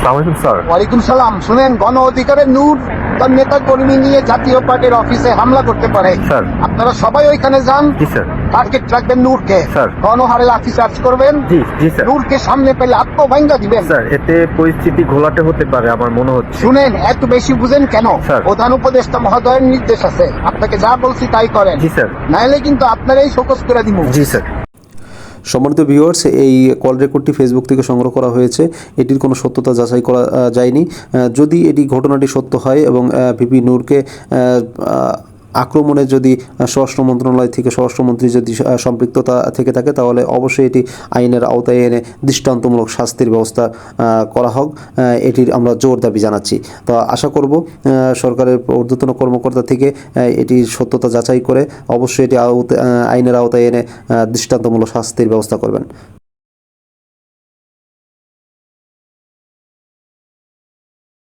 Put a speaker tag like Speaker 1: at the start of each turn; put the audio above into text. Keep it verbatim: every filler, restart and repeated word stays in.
Speaker 1: আসসালামু আলাইকুম স্যার।
Speaker 2: ওয়ালাইকুম সালাম। শুনেন, গণ অধিকারের নূর তার নেতা কর্মী নিয়ে জাতীয় পার্টির অফিসে হামলা করতে পারে।
Speaker 1: স্যার।
Speaker 2: আপনারা সবাই ওইখানে যান,
Speaker 1: জি স্যার।
Speaker 2: টার্গেট রাখবেন নূরকে।
Speaker 1: স্যার।
Speaker 2: গণহারে লাঠি চার্জ করবেন।
Speaker 1: জি জি স্যার।
Speaker 2: নূরকে সামনে পেলে আত্মভাঙ্গা দিবেন।
Speaker 1: স্যার, এতে পরিস্থিতি ঘোলাটে হতে পারে আমার মনে হচ্ছে।
Speaker 2: শুনেন, এত বেশি বুঝেন কেন?
Speaker 1: স্যার।
Speaker 2: প্রধান উপদেষ্টা মহোদয়ের নির্দেশ আছে, আপনাকে যা বলছি তাই করেন।
Speaker 1: জি স্যার।
Speaker 2: নাইলে কিন্তু আপনারাই শোকজ করে দিব।
Speaker 1: জি স্যার।
Speaker 3: সম্মানিত ভিউয়ার্স, এই কল রেকর্ডটি ফেসবুক থেকে সংগ্রহ করা হয়েছে। এটির কোনো সত্যতা যাচাই করা আহ, যায়নি। আহ, যদি এটি ঘটনাটি সত্য হয় এবং ভিপি নূরকে আহ, আহ, আক্রমণে যদি স্বরাষ্ট্র মন্ত্রণালয় থেকে স্বরাষ্ট্রমন্ত্রী যদি আহ, সম্পৃক্ততা থেকে থাকে, তাহলে অবশ্যই এটি আইনের আওতায় এনে দৃষ্টান্তমূলক শাস্তির ব্যবস্থা আহ, করা হোক। আহ, এটির আমরা জোর দাবি জানাচ্ছি। তো আশা করব আহ, সরকারের ঊর্ধ্বতন কর্মকর্তা থেকে আহ, এটির সত্যতা যাচাই করে অবশ্যই এটি আওতা- আহ, আইনের আওতায় এনে আহ, দৃষ্টান্তমূলক শাস্তির ব্যবস্থা করবেন।